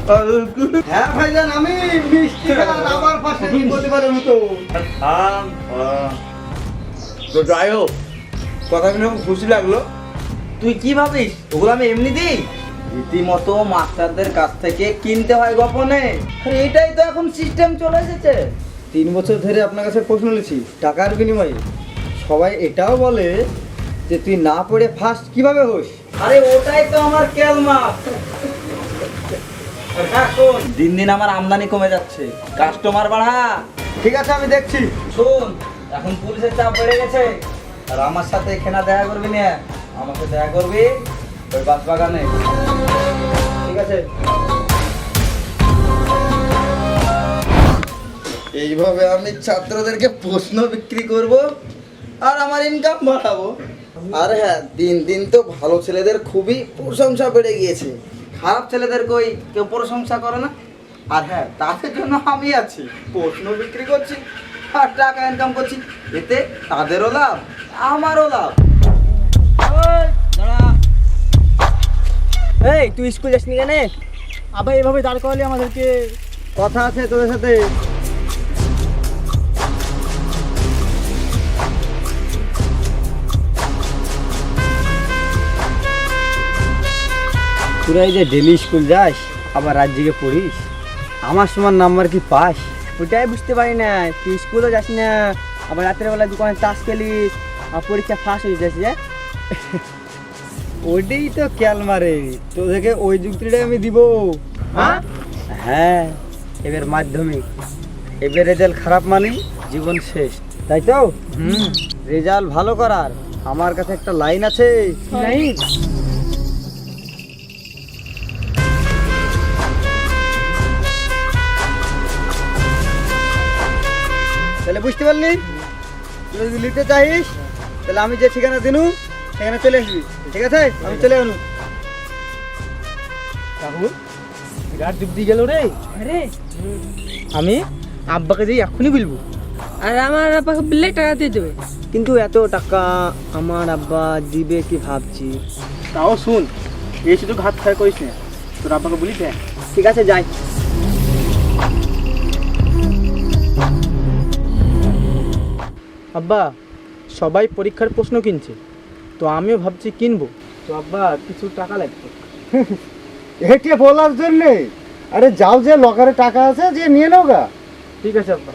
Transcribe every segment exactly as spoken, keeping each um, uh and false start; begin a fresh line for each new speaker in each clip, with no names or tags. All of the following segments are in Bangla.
হ্যাঁ ভাইজান, আমি মিষ্টি আর আমার পাশে প্রতিবারের মতো।
তো যাই হোক, কথা শুনে খুব খুশি লাগলো। তুই কি ভাবিস ওগুলো আমি এমনি দিই? রীতিমতো মাস্টারদের কাছ থেকে কিনতে হয় গোপনে। আরে এটাই তো এখন সিস্টেম চলে এসেছে।
তিন বছর ধরে আপনার কাছে প্রশ্ন নিয়েছি টাকার বিনিময়ে। সবাই এটাও বলে যে তুই না পড়ে ফার্স্ট কিভাবে হোস।
আরে ওটাই তো আমার কেলমা। দিন দিন আমার আমদানি কমে যাচ্ছে, কাস্টমার বাড়া।
ঠিক আছে, আমি দেখছি।
শোন, এখন পুলিশের চাপ বেড়ে গেছে, আর আমার সাথে এখানে দেখা করবি না, আমাকে দেখা করবি ওই বাস বাগানে। ঠিক আছে? এইভাবে আমি ছাত্রদেরকে প্রশ্ন বিক্রি করব আর আমার ইনকাম বাড়াবো। আর হ্যাঁ, দিন দিন তো ভালো ছেলেদের খুবই প্রশংসা বেড়ে গিয়েছে, খারাপ ছেলেদের কই কেউ প্রশংসা করে না। আর হ্যাঁ, তাদের জন্য আমি আছি, প্রশ্ন বিক্রি করছি আর টাকা ইনকাম করছি, এতে তাদেরও লাভ আমারও লাভ।
এই তুই স্কুল যাসনি কেন? আবার এভাবে দাঁড় করালি আমাদেরকে। কথা আছে তোদের সাথে। তোরা এই যে ডেলি স্কুল যাস আবার রাজ্যকে পড়িস, আমার সমান নাম্বার কি পাস? ওটাই বুঝতে পারি না। তুই স্কুলও যাস না, আবার রাতের বেলা দোকানে চাষ খেলিস, আর পরীক্ষা ফার্স্ট হয়ে যাস। যে ওইটাই তো খেয়াল মারে তোদেরকে, ওই যুক্তিটাই আমি দিব। হ্যাঁ, এবার মাধ্যমিক, এবার রেজাল্ট খারাপ মানে জীবন শেষ, তাই তো? হুম, রেজাল্ট ভালো করার আমার কাছে একটা লাইন আছে। লাইন? তাহলে বুঝতে পারলি? তুই যদি নিতে চাইস তাহলে আমি যে ঠিকানা দিনু সেখানে চলে আসবি, ঠিক আছে? আমি চলে আনু। রাহুল, বিরাট ডুবদি গেল রে। আরে আমি আব্বাকে যে এখনই বলবো।
আর আমার আব্বাকে বললে টাকা দিয়ে দেবে।
কিন্তু এত টাকা আমার আব্বা দিবে কি ভাবছি। তাও শুন, এই শুধু ঘাত খায় করিস না, তোর আব্বাকে বলি দেখ। ঠিক আছে, যাই। আব্বা, সবাই পরীক্ষার প্রশ্ন কিনছে, তো আমিও ভাবছি কিনবো। তো আব্বা কিছু টাকা লাগবে।
এটা বলার জন্যে? আরে যাও, যে লকারে টাকা আছে যে নিয়ে নাও গা।
ঠিক আছে আব্বা।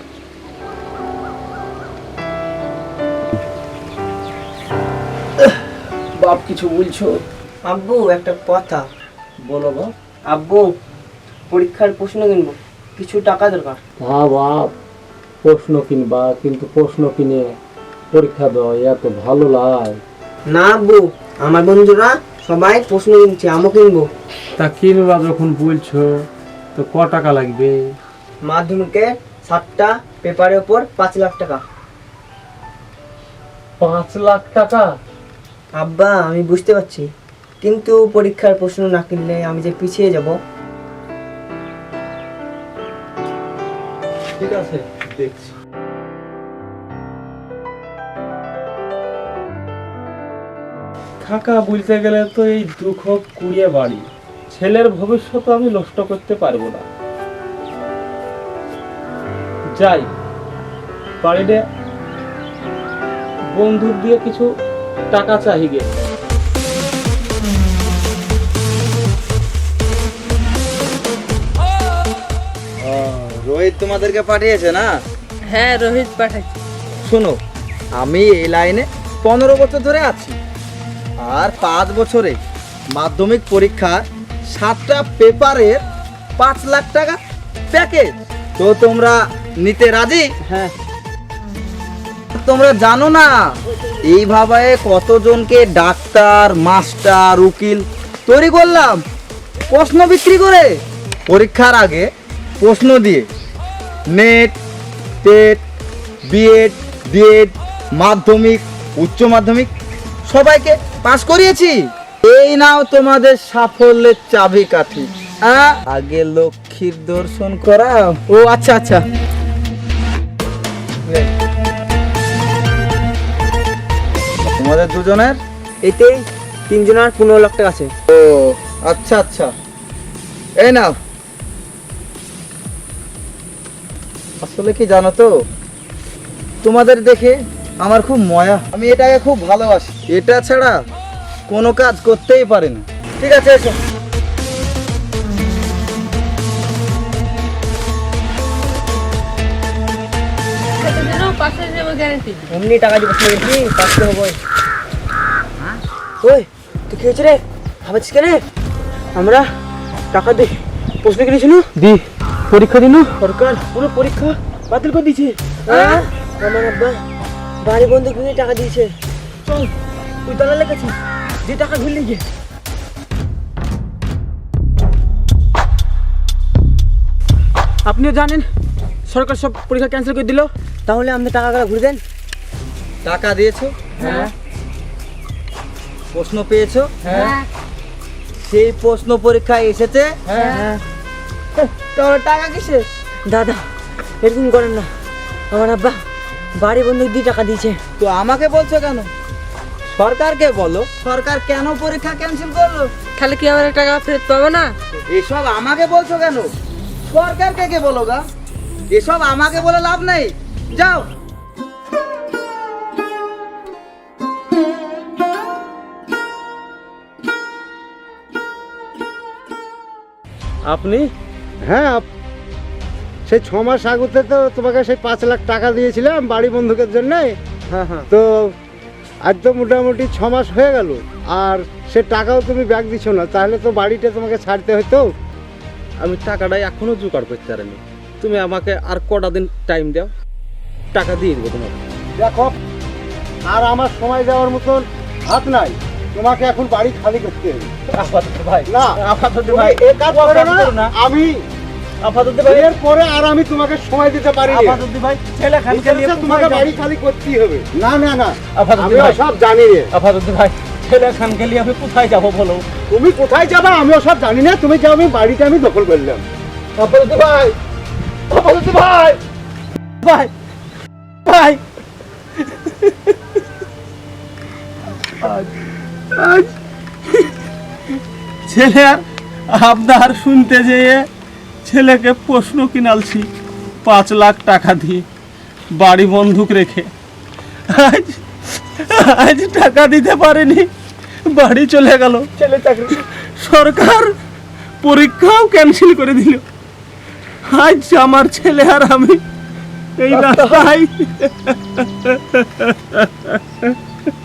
বাপ কিছু বলছো?
আব্বু একটা কথা।
বলো বাপ।
আব্বু, পরীক্ষার প্রশ্ন কিনবো, কিছু টাকা দরকার।
হ্যাঁ বাপ, প্রশ্ন কিনবা, কিন্তু প্রশ্ন কিনে পরীক্ষা দেওয়া এত ভালো লাগে
না আব্বু, আমার বন্ধুরা সবাই প্রশ্ন কিনছে, আমিও কিনবো।
তা কিনবা যখন বলছো তো ক টাকা লাগবে?
মাধ্যমিকে সাতটা পেপারের উপর পাঁচ লাখ টাকা।
পাঁচ লাখ টাকা?
আব্বা আমি বুঝতে পারছি, কিন্তু পরীক্ষার প্রশ্ন না কিনলে আমি যে পিছিয়ে যাব।
ঠিক আছে, দেখছি। টাকা বলতে গেলে তো এই দুঃখ কুড়িয়ে বাড়ি, ছেলের ভবিষ্যৎ আমি নষ্ট করতে পারবো না। যাই বাড়িতে বন্ধুর দিয়ে কিছু টাকা চাই গে।
রোহিত তোমাদেরকে পাঠিয়েছে না?
হ্যাঁ, রোহিত পাঠাচ্ছে।
শোনো, আমি এই লাইনে পনেরো বছর ধরে আছি, আর পাঁচ বছরে মাধ্যমিক পরীক্ষার সাতটা পেপারের পাঁচ লাখ টাকা প্যাকেজ। তো তোমরা নিতে রাজি?
হ্যাঁ।
তোমরা জানো না এইভাবে কতজনকে ডাক্তার, মাস্টার, উকিল তৈরি করলাম প্রশ্ন বিক্রি করে, পরীক্ষার আগে প্রশ্ন দিয়ে। নেট, টেট, বিএড, ডিএড, মাধ্যমিক, উচ্চ মাধ্যমিক সবাইকে পাস করিয়েছি। এই নাও তোমাদের সাফল্যের চাবিকাঠি। আগে লক্ষ্মীর দর্শন করা।
ও আচ্ছা আচ্ছা।
তোমাদের দুজনের
এতেই তিনজনের পনেরো লাখ টাকা আছে।
ও আচ্ছা আচ্ছা, এই নাও আসলে কি জানো তো, তোমাদের দেখে আমার খুব ময়া, আমি এটাকে খুব ভালোবাসি, এটা ছাড়া কোনো কাজ করতেই পারি না। ঠিক আছে, এসো।
সেটা যেন পাশে যাবো গ্যারেন্টি।
এমনি টাকা দিয়ে বসে গেছি, পাঁচশো হবো। ওই তুই কি হয়েছে রে, ভাবছিস কেন? আমরা টাকা দিই প্রশ্ন কিনেছিল,
দি পরীক্ষা দিন
সরকার পুরো পরীক্ষা বাতিল করে দিয়েছে। আমার আব্বা বাড়ি বন্ধু কিনে টাকা দিয়েছে। চল তুই তালা লেগেছিস, যে টাকা ঘুরলি গিয়ে।
আপনিও জানেন সরকার সব পরীক্ষা ক্যান্সেল করে দিল।
তাহলে আপনি টাকাগুলো ঘুরে দেন।
টাকা দিয়েছো?
হ্যাঁ
প্রশ্ন পেয়েছো?
হ্যাঁ
সেই প্রশ্ন পরীক্ষায় এসেছে?
হ্যাঁ। তোর টাকা কিসে? দাদা এরকম করেন না, আমার আব্বা বাড়ি বন্ধু দিয়ে টাকা দিয়েছে।
তো আমাকে বলছো কেন? সরকারকে বলো, সরকার কেন পরীক্ষা ক্যান্সেল করলো?
খালি কি আমার টাকা ফেরত পাবো না?
এসব আমাকে বলছো কেন? সরকারকে কে বলো গা? এসব আমাকে বলে লাভ নেই, যাও।
আপনি?
হ্যাঁ আপ- সেই ছ মাস আগতে তো তোমাকে সেই পাঁচ লাখ টাকা দিয়েছিলাম বাড়ি বন্ধুকের জন্যে।
হ্যাঁ হ্যাঁ।
তো আজ তো মোটামুটি ছ মাস হয়ে গেল, আর সে টাকাও তুমি ব্যাগ দিছো না, তাহলে তো বাড়িটা তোমাকে ছাড়তে হতো।
আমি টাকাটা এখনো জোগাড় করতে পারিনি, তুমি আমাকে আর কটা দিন টাইম দাও, টাকা দিয়ে দেবো তোমাকে।
দেখো, আর আমার সময় দেওয়ার মতন হাত নাই, তোমাকে এখন বাড়ি খালি করতে হবে।
আপাতত ভাই,
না
আপাতত
তুমি
ভাই,
এ কাজ করো
আপাতত
না,
না।
আমি
আপাতত ভাই,
এর পরে আর আমি তোমাকে সময় দিতে পারি না।
আপাতত ভাই, ছেলে খানকে নিয়ে
তোমাকে বাড়ি খালি করতেই হবে। না না না,
আপাতত
আমি
ভাই।
সব জানি রে।
আপাতত ভাই, ছেলে খানকে নিয়ে আমি কোথায় যাবো বলো?
তুমি কোথায় যাবা আমিও সব জানি না, তুমি যাও, আমি বাড়িটা আমি দখল করলাম।
আপাতত ভাই, আপাতত ভাই, ভাই, ভাই,
ছেলে আর আপনার শুনতে যেয়ে ছেলেকে প্রশ্ন কিনালছি পাঁচ লাখ টাকা দিয়ে বাড়ি বন্ধুক রেখে, আজ আজ টাকা দিতে পারেনি, বাড়ি চলে গেল। ছেলে চাকরি, সরকার পরীক্ষাও ক্যান্সেল করে দিল। আজ আমার ছেলে আর আমি এই রাস্তায়